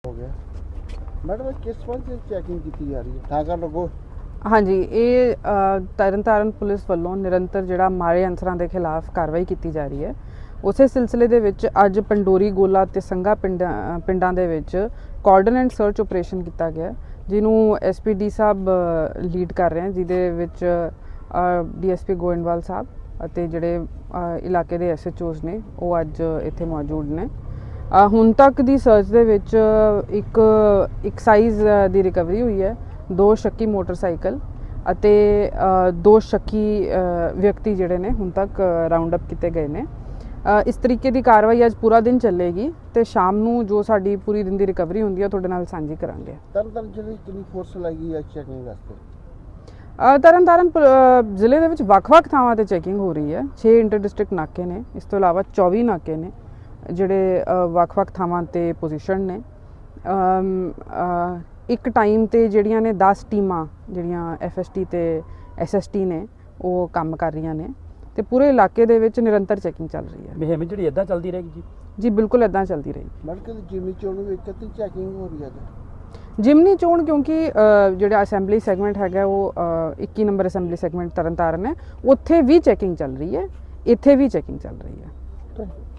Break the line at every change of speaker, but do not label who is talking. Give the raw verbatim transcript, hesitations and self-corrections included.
हो गया मैडम किस वजह से चैकिंग की जा रही है ठाकर लोगों
हाँ जी ये तरन ताਰਨ पुलिस ਵੱਲੋਂ ਨਿਰੰਤਰ ਜਿਹੜਾ ਮਾੜੇ ਅਨਸਰਾਂ ਦੇ ਖਿਲਾਫ ਕਾਰਵਾਈ ਕੀਤੀ ਜਾ ਰਹੀ ਹੈ। ਉਸੇ ਸਿਲਸਿਲੇ ਦੇ ਵਿੱਚ ਅੱਜ ਪੰਡੋਰੀ ਗੋਲਾ ਤੇ ਸੰਗਾ ਪਿੰਡਾਂ ਪਿੰਡਾਂ ਦੇ ਵਿੱਚ ਕਾਰਡਨ ਐਂਡ ਸਰਚ ਆਪਰੇਸ਼ਨ ਕੀਤਾ ਗਿਆ, ਜਿਹਨੂੰ ਐਸਪੀਡੀ ਸਾਹਿਬ ਲੀਡ ਕਰ ਰਹੇ ਹਨ, ਜਿਹਦੇ ਵਿੱਚ ਡੀਐਸਪੀ ਗੋਇੰਦਵਾਲ ਸਾਹਿਬ ਅਤੇ ਜਿਹੜੇ ਇਲਾਕੇ ਦੇ ਐਸਐਚਓਜ਼ ਨੇ ਉਹ ਅੱਜ ਇੱਥੇ ਮੌਜੂਦ ਨੇ। ਹੁਣ ਤੱਕ ਦੀ ਸਰਚ ਦੇ ਵਿੱਚ ਇੱਕ ਇੱਕ ਸਾਈਜ਼ ਦੀ ਰਿਕਵਰੀ ਹੋਈ ਹੈ, ਦੋ ਸ਼ੱਕੀ ਮੋਟਰਸਾਈਕਲ ਅਤੇ ਦੋ ਸ਼ੱਕੀ ਵਿਅਕਤੀ ਜਿਹੜੇ ਨੇ ਹੁਣ ਤੱਕ ਰਾਉਂਡ ਅਪ ਕੀਤੇ ਗਏ ਨੇ। ਇਸ ਤਰੀਕੇ ਦੀ ਕਾਰਵਾਈ ਅੱਜ ਪੂਰਾ ਦਿਨ ਚੱਲੇਗੀ ਤੇ ਸ਼ਾਮ ਨੂੰ ਜੋ ਸਾਡੀ ਪੂਰੀ ਦਿਨ ਦੀ ਰਿਕਵਰੀ ਹੁੰਦੀ ਹੈ ਤੁਹਾਡੇ ਨਾਲ ਸਾਂਝੀ ਕਰਾਂਗੇ।
ਤਰਨਤਾਰਨ ਜ਼ਿਲ੍ਹੇ ਕਿੰਨੀ ਫੋਰਸ ਲੱਗੀ ਹੈ ਚੈਕਿੰਗ ਵਾਸਤੇ?
ਤਰਨਤਾਰਨ ਜ਼ਿਲ੍ਹੇ ਦੇ ਵਿੱਚ ਵੱਖ-ਵੱਖ ਥਾਵਾਂ ਤੇ ਚੈਕਿੰਗ ਹੋ ਰਹੀ ਹੈ। ਛੇ ਇੰਟਰ ਡਿਸਟ੍ਰਿਕਟ ਨਾਕੇ ਨੇ, ਇਸ ਤੋਂ ਇਲਾਵਾ ਚੌਵੀ ਨਾਕੇ ਨੇ ਜਿਹੜੇ ਵੱਖ-ਵੱਖ ਥਾਵਾਂ ਤੇ ਪੋਜੀਸ਼ਨ ਨੇ। ਇੱਕ ਟਾਈਮ ਤੇ ਜਿਹੜੀਆਂ ਨੇ ਦਸ ਟੀਮਾਂ ਜਿਹੜੀਆਂ ਐਫਐਸਟੀ ਤੇ ਐਸਐਸਟੀ ਨੇ ਉਹ ਕੰਮ ਕਰ ਰਹੀਆਂ ਨੇ ਤੇ ਪੂਰੇ ਇਲਾਕੇ ਦੇ ਵਿੱਚ ਨਿਰੰਤਰ ਚੈਕਿੰਗ ਚੱਲ ਰਹੀ ਹੈ।
ਮੁਹਿੰਮ ਜਿਹੜੀ ਇੱਦਾਂ ਚੱਲਦੀ ਰਹੇਗੀ ਜੀ? ਜੀ
ਬਿਲਕੁਲ ਇੱਦਾਂ ਚੱਲਦੀ ਰਹੇਗੀ।
ਮੈਡਮ ਜਿਮਨੀ ਚੋਣ ਵਿੱਚ ਕਿੰਨੀ ਚੈਕਿੰਗ ਹੋ ਰਹੀ ਹੈ?
ਜਿਮਨੀ ਚੋਣ ਕਿਉਂਕਿ ਜਿਹੜਾ ਅਸੈਂਬਲੀ ਸੈਗਮੈਂਟ ਹੈਗਾ ਉਹ ਇੱਕੀ ਨੰਬਰ ਅਸੈਂਬਲੀ ਸੈਗਮੈਂਟ ਤਰਨਤਾਰਨ ਹੈ, ਉੱਥੇ ਵੀ ਚੈਕਿੰਗ ਚੱਲ ਰਹੀ ਹੈ, ਇੱਥੇ ਵੀ ਚੈਕਿੰਗ ਚੱਲ ਰਹੀ ਹੈ।